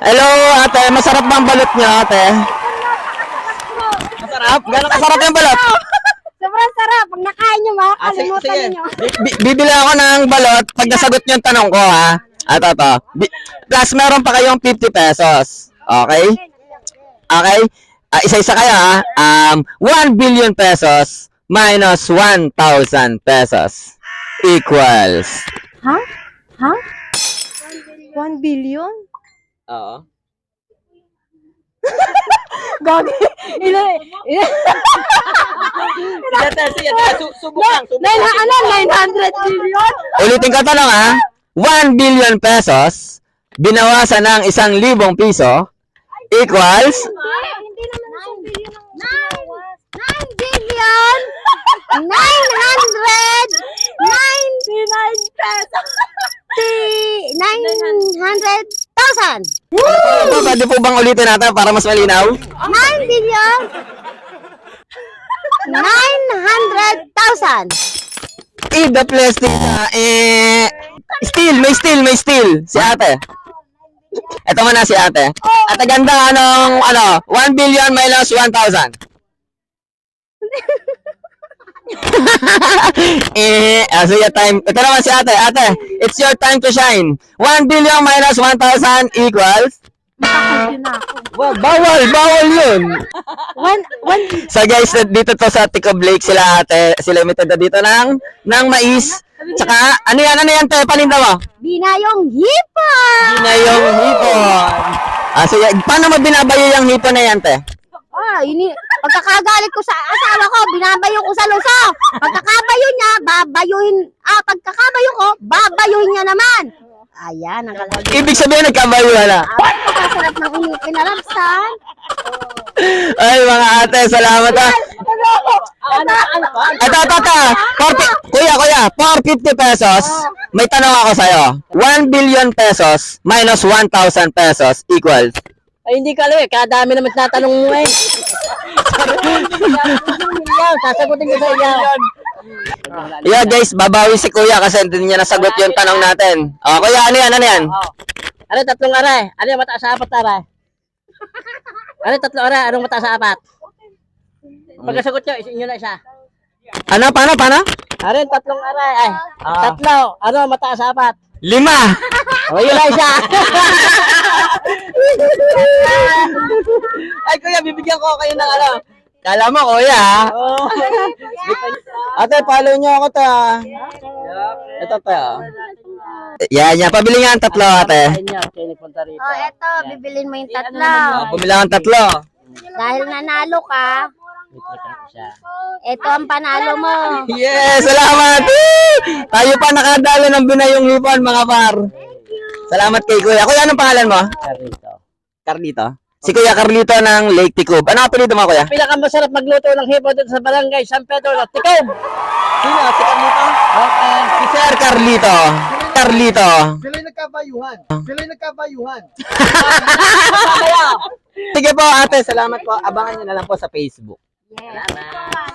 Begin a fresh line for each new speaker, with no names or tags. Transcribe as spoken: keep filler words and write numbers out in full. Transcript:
Hello, ate. Masarap bang balot niyo, ate? Masarap? Gano'ng kasarap yung balot?
Sobrang sarap. Pag nakain nyo, makakalimutan ninyo.
Bi- bibili ako ng balot pag nasagot niyo yung tanong ko, ha? Ato, to. Bi- Plus, meron pa kayong fifty pesos. Okay? Okay? Ah, isa-isa kayo, ha? Um, one billion pesos minus one thousand pesos equals.
Ha? Ha? one billion?
Oo.
Gagi. Ilan? Ilan?
Subok lang, subok
Nine, ano? nine hundred billion?
Ulitin ko tanong, ha? one billion pesos binawasan ng isang libong piso equals.
Hindi naman isang billion ang nine billion nine hundred ninety-nine pesos. nine hundred thousand.
Ano po, pwede po bang ulitin natin para mas malinaw?
nine billion nine hundred thousand.
Eh, the plastic na, eh, steel, may steel, may steel. Si ate. Ito muna si ate. Ate ganda, anong, ano, one billion minus one thousand. eh, ah, sige, time. Ito naman si ate. Ate, it's your time to shine. one billion minus one thousand equals.
Makakagyo na ako.
Wow, bawal, bawal yun.
One, one,
So guys, dito to sa Tico Blake sila ate, sila may tada dito ng, ng mais. Tsaka, ano yan, ano yan, te, paninda mo?
binayong hipon.
Yun na yung hipon. Ah, sige, paano mo binabayo yung hipon na yan, te?
Ah, ini pagkakagalit ko sa asawa ko, binabayo ko sa lusa. Pagkakabayo niya, babayuhin, ah, pagkakabayo ko, babayuhin niya naman. Ayan, ang kalagay.
Ibig sabihin, nagkabayo na.
Ah, pagkasarap ng inipin na lapsan.
Ay, mga ate, salamat ah.
Ano, ano,
Ito, ito, ito. forty, kuya, kuya, for fifty pesos, may tanong ako sa'yo. one billion pesos minus one thousand pesos equals.
Ay, hindi ka alam eh. Kadami naman tatanong mo eh. Sasagutin ko sa iyo.
Yeah, guys, babawi si kuya kasi hindi niya nasagot yung tanong natin. Oh, kuya, ano yan, ano yan?
Oh. Ano tatlong aray? Ano yung mataas sa apat na aray? Ano tatlong aray? Anong mataas sa apat? Pagkasagot nyo, isin nyo na isa.
Ano, paano, paano?
Ano yung tatlong aray? Ay,
Ah.
tatlo. Ano mataas sa apat?
Lima!
O, yun na isa.
Ay, kuya, bibigyan ko kayo ng ano. Kala mo, kuya, ha?
Oh.
Ate, follow niyo ako to, ha? Ito to, ha? Yan, yan. Pabili nga ang tatlo, ate.
Ayun niya, okay, nagpunta rito.
Oh, eto, bibilin mo yung tatlo.
Oh, bumili ang tatlo.
Dahil nanalo ka, eto ang panalo mo.
Yes, salamat! Woo! Tayo pa nakadalo ng binayong hipon, mga par. Salamat kay kuya. Kuya, anong pangalan mo?
Rito.
Carlito. Si Kuya Carlito ng Lake Ticob. Ano apelido mo, kuya?
Pinakamasarap magluto ng hipo dito sa barangay San Pedro ng Ticob.
Sino? Si Carlito?
Okay.
Si Sir Carlito. Carlito.
Sila'y nagkabayuhan. Sila'y nagkabayuhan.
Sige po, ate. Salamat po. Abangan nyo na lang po sa Facebook.
Yes.